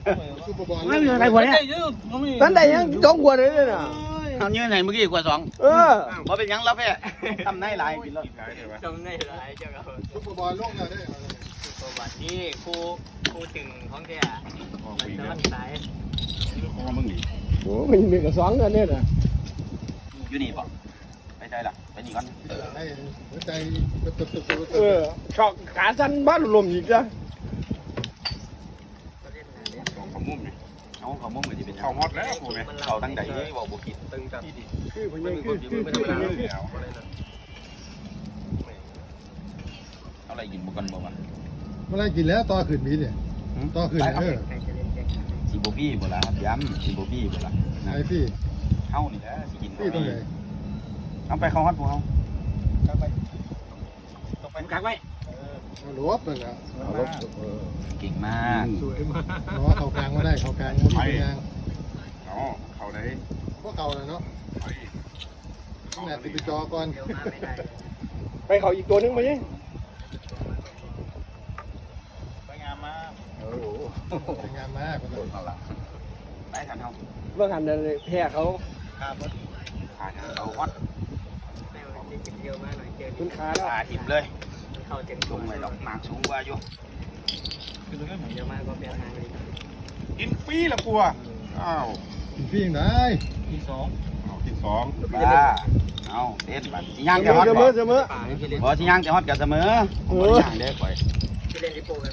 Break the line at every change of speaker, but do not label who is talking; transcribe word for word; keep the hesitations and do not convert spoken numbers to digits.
ไม่มีอะไรพอเนี่ยท่านใดยังจ้องกว่าเลยน่ะ
เอาเนื้อไหนเมื่อกี้กว่าสอง
เออ
พอเป็นยังแล้วแพ้ทำได้หลายกินแล้ว
จำได้หลายเจ้าครับ
ซุปเปอร์บอลลงแล้วได้
ประวัตินี่ครูครูถึงของแกมันจะมันสาย
ของมึงดิ
โอ้มันมีกับสองกันเนี่ยน่ะ
อยู่นี่ป่ะไปใจละไปนี่ก่อน
ให้หัวใจตึ๊บตึ๊บตึ๊บตึ๊บ
เออชอกขาสั้นบ้านลมอีกจ้ะ
ของขมุมนี่เอาขมุมมันจะเป็น
เขาฮอตแล้วกูไหม
เขาตั้งใจเลยบอกบุกิน
ตึงจัด
คือพยังคือคือคือ
เอาอะไรกินบุกันบ่วะ
เมื่อไรกินแล้วต่อขึ้นมีเนี่ยต่อขึ้นเออ
ใครจะเล่นแกง
สีโบบี้บ่ละครับย้ำสีโบบี้บ่ละ
ไอ้พี่
เข้านี่แหละสิกิน
พี่ตรงไหน
เอาไปเข้าฮัดพวกเขา
กักไว้
หลวบเลยอ่ะ
เก่งมาก
สวยมากเนาะเขากลางมาได้เขากลางมาได้กลาง
เอาเขาได้
พวกเก่าเลยเนาะ
ไป
ต้องแหนติดจอก่อน
เดี๋ยวมาไม่ได้
ไปเขาอีกตัวนึงมาเนี่ย
ไปงามมาก
โอ้โหสวยงามมากคน
เอาละไปกันเขา
เมื่อหันเลยแพ้เขา
ขาดเอาฮัด
ไม่ว่าจะกินเดียวมาหน่อยเจอ
คุณขาแล้ว
ขาถิ่มเลย
เข้าเต็ม
ลงไปดอกหมากสูงกว่าอยู่
เดี๋ยวมาก็เปลี่ยนทางเลย
กินฟรีละกูอ่ะอ้าว
กินพี่ยังได้
ที่สอง
เอาที่สอง
บ้าเอาเด็ดบัดสิย่าง
เส
จะ
ม
ฮ
อ
อด
เสม
บ่
อเสมอ
ป่าไม่คิดเล่น
บ่สิย่างจะฮอดกับเสมอผมบ่ย่างเด้อข่อย
คิดเล่นที่โปกัน